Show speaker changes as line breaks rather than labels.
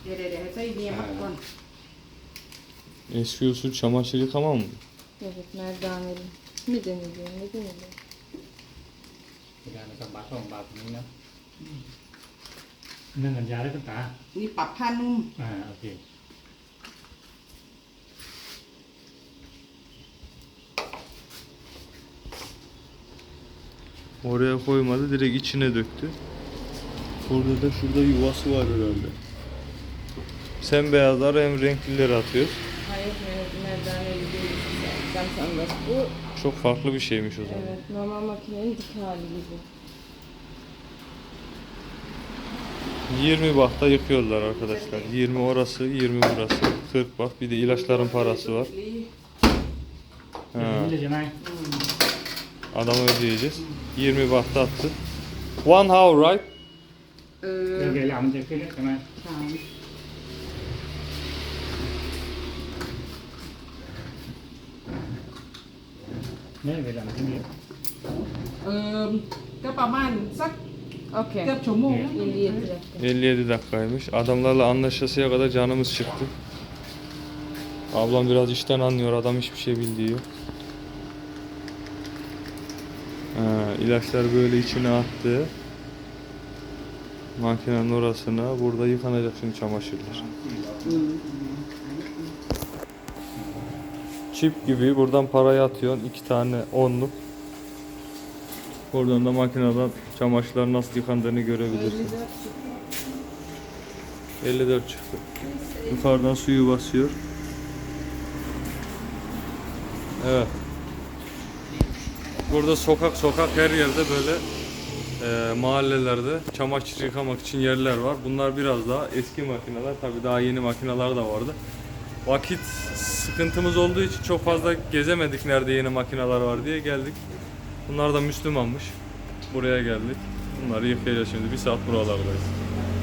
Đểให้dây đi mất con.
Eski usul çamaşır yıkama mı?
Evet, merdaneli. Mi deniliyor, ne deniliyor?
เวลาเราทำบาตรของบาตรนี้นะนั่นสัญญาได้คุณตา
Đi bắp than nung.
โอเค
Oraya koymadı, direkt içine döktü. Burada da şurada yuvası var herhalde. Sen beyazları hem renklileri atıyoruz.
Hayır, merdaneli değil. Cam sandaç. Bu,
Çok farklı bir şeymiş o zaman.
evet, normal makinenin dik hali gibi.
20 bahta yıkıyorlar arkadaşlar. 20 orası, 20 burası. 40 baht. Bir de ilaçların parası var. Ha,
นี่เลยใช่ไหม
adamı ödeyeceğiz. 20 bahta attı. One hour right?
โอเคแล้วมันจะขึ้นใช่ไหม
Chào.
นี่เวลามันขึ้น
ก็ประมาณสัก
Okey.
เกือบชั่วโมง
57 dakika.
57 dakikaymış. Adamlarla anlaşasıya kadar canımız çıktı. Ablam biraz işten anlıyor. Adam hiçbir şey bildiği yok. İlaçlar böyle içine attı. Makinenin orasına. Burada yıkanacak şimdi çamaşırlar. Çip gibi buradan parayı atıyorsun. 2 tane onluk. Oradan da makineden çamaşırlar nasıl yıkandığını görebilirsin. 54 çıktı. Yukarıdan suyu basıyor. Evet. Burada sokak her yerde böyle mahallelerde çamaşır yıkamak için yerler var. Bunlar biraz daha eski makineler. Tabii daha yeni makineler de vardı. Vakit sıkıntımız olduğu için çok fazla gezemedik nerede yeni makineler var diye geldik. Bunlar da Müslümanmış. Buraya geldik. Bunları yıkayacağız şimdi. 1 saat buralardayız.